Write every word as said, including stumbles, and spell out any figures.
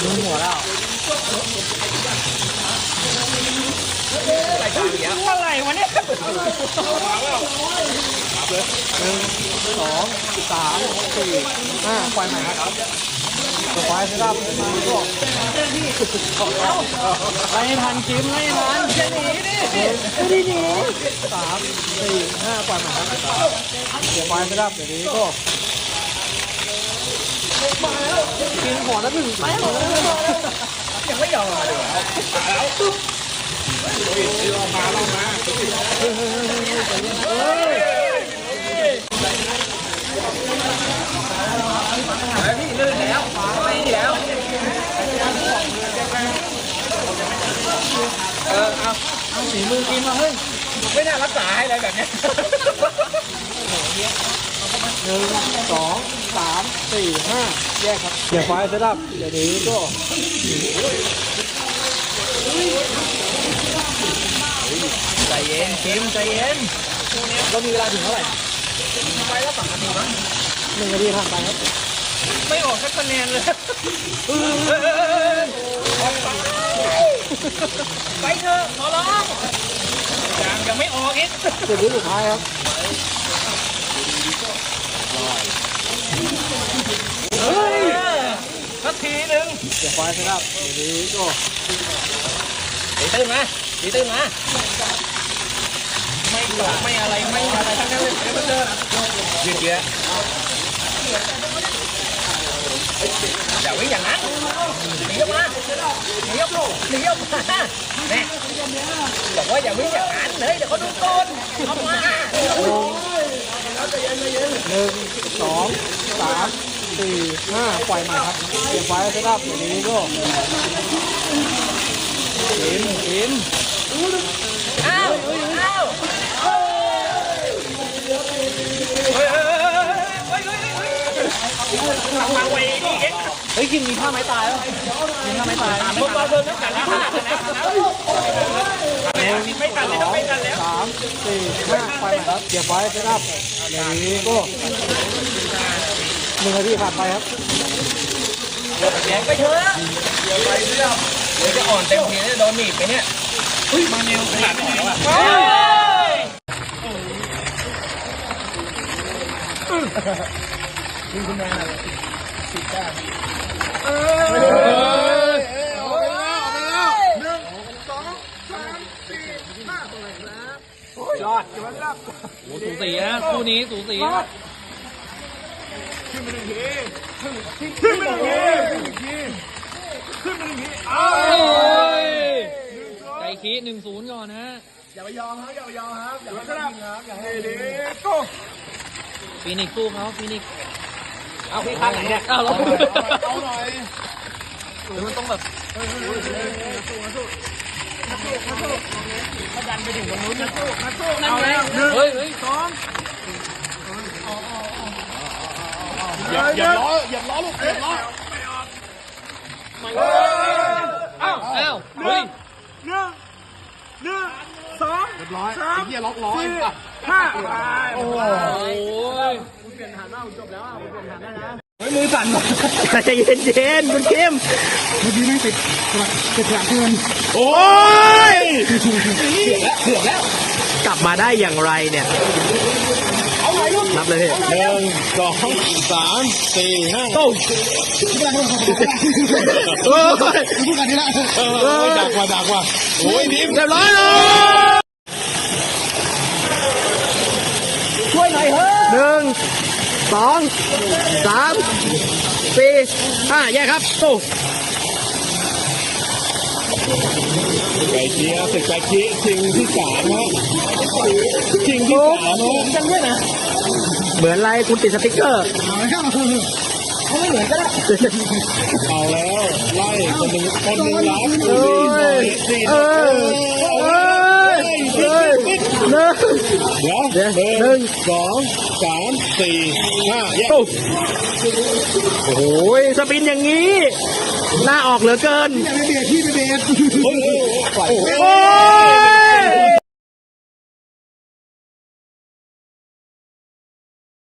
มึงหัวแล้วอะไรกันเนี่ยอะไรวะเนี่ยหนึ่งสองสามสี่ห้าควายใหม่ครับควายเซตอัพมาลูกไล่ทันคิมไล่ทันจะหนีดิไม่ได้หนีสามสี่ห้าควายใหม่ครับเดี๋ยวควายเซตอัพเดี๋ยวนี้ก็กินหัวแล้วถึงไปยังไม่ยอมมาเลยแล้วลงมาลงมาเฮ้ยเฮ้ยเฮ้ยเฮ้ยพี่ลื่นแล้วไปแล้วเออเอาเอาสีมือกินมาเฮ้ยไม่น่ารักษาให้เลยแบบนี้หนึ่งสองสามสี่ห้าแยกครับเดี๋ยวไฟเซตอัพเดี๋ยวนี้ก็ใจเย็นคิมใจเย็นเรามีเวลาถึงเท่าไหร่ไปแล้วสองนาทีมั้งหนึ่งนาทีผ่านไปครับไม่ออกสักคะแนนเลยไปเถอะขอร้องยังยังไม่ออกอีกจุดนี้สุดท้ายครับเฮ้ยสักทีหนึ่งเดี๋ยวไฟเซตอัพเดี๋ยวนี้ก็ตีตื้นมาตีตื้นมาไม่ตกไม่อะไรไม่อะไรทั้งนั้นเลยเดี๋ยวมาเจอยืดเยอะอย่าวิ่งอย่างนั้นหนีออกมาหนีออกมาหนีออกมาแน่บอกว่าอย่าวิ่งอย่างนั้นเลยเดี๋ยวเขาดูต้นออกมาหนึ่งสองสามสี่ห้าปล่อยมาครับเก็บไว้เซตอัพอย่างนี้ก็กินกินอ้าวอ้าวเฮ้ยกินมีผ้าไม้ตายแล้วมีผ้าไม้ตายพวกเราเดินน้ำกันที่ผ้าไม่กันเลยไม่กันแล้วสามสี่ห้าไปครับเก็บไว้เซตอัพอย่างนี้ก็หนึ่งนาทีผ่านไปครับแย่งไปเถอะเดี๋ยวไปเรื่องเดี๋ยวจะอ่อนเต็มทีจะโดนหนีบไปเนี่ยเฮ้ยมาเนวขาดไปแล้วอ่ะยิงคุณแม่สิบเก้าเออออกไปแล้วออกไปแล้วหนึ่งสองสามสี่ห้าตัวไหนครับยอดยอดครับโอ้สูสีนะคู่นี้สูสีนะขึ้นไปหนึ่งทีขึ้นไปหนึ่งทีขึ้นไปหนึ่งทีขึ้นไปหนึ่งทีอ้าวใจคีหนึ่งศูนย์ก่อนนะอย่าไปยอมครับอย่าไปยอมครับอย่าไปยอมครับอย่าให้ดีก็ฟีนิกซ์สู้เขาฟีนิกซ์เอาพี่ข้างไหนเนี่ยเอาเราเอาหน่อยหรือมันต้องแบบเฮ้ยสู้สู้สู้สู้สู้เขาดันไปถึงตรงนู้นนะสู้นะสู้นั่นแล้วเฮ้ยเฮ้ยสองอย่าอย่าล้ออย่าล้อลูกอย่าล้ออ้าวอ้าวเฮ้ยหนึ่งหนึ่งสองเรียบร้อยไอ้เหี้ยล็อกล้อห้าโอ้ยคุณเปลี่ยนฐานแล้วจบแล้วคุณเปลี่ยนฐานได้นะเฮ้ยมือสั่นหมดใจเย็นเย็นคุณเข้มเมื่อกี้ไม่ติดติดหลังเพื่อนโอ้ยเกือบแล้วเกือบแล้วกลับมาได้อย่างไรเนี่ยนับเลยหนึ่งสองสามสี่ห้าโอ้ยโอ้ยพูดกันทีละเออดักว่าดักว่าโอ้ยดิมเรียบร้อยช่วยหน่อยเฮ้ยหนึ่งสองสามสี่ห้าแยกครับโอ้ไก่เชียร์ศึกไก่เชียร์ชิงที่สามนะชิงที่สามนะจังด้วยนะเหมือนไรคุณติดสติ๊กเกอร์เขาไม่เหมือนก็ได้เอาแล้วไล่คนหนึ่งคนหนึ่งล้านเอ้ยเอ้ยเอ้ยเอ้ยหนึ่งเดี๋ยวหนึ่งสองสามสี่ห้าโอ้โหสปินอย่างนี้หน้าออกเหลือเกินอย่าไปเบียดพี่ไปเบียดโอ้ย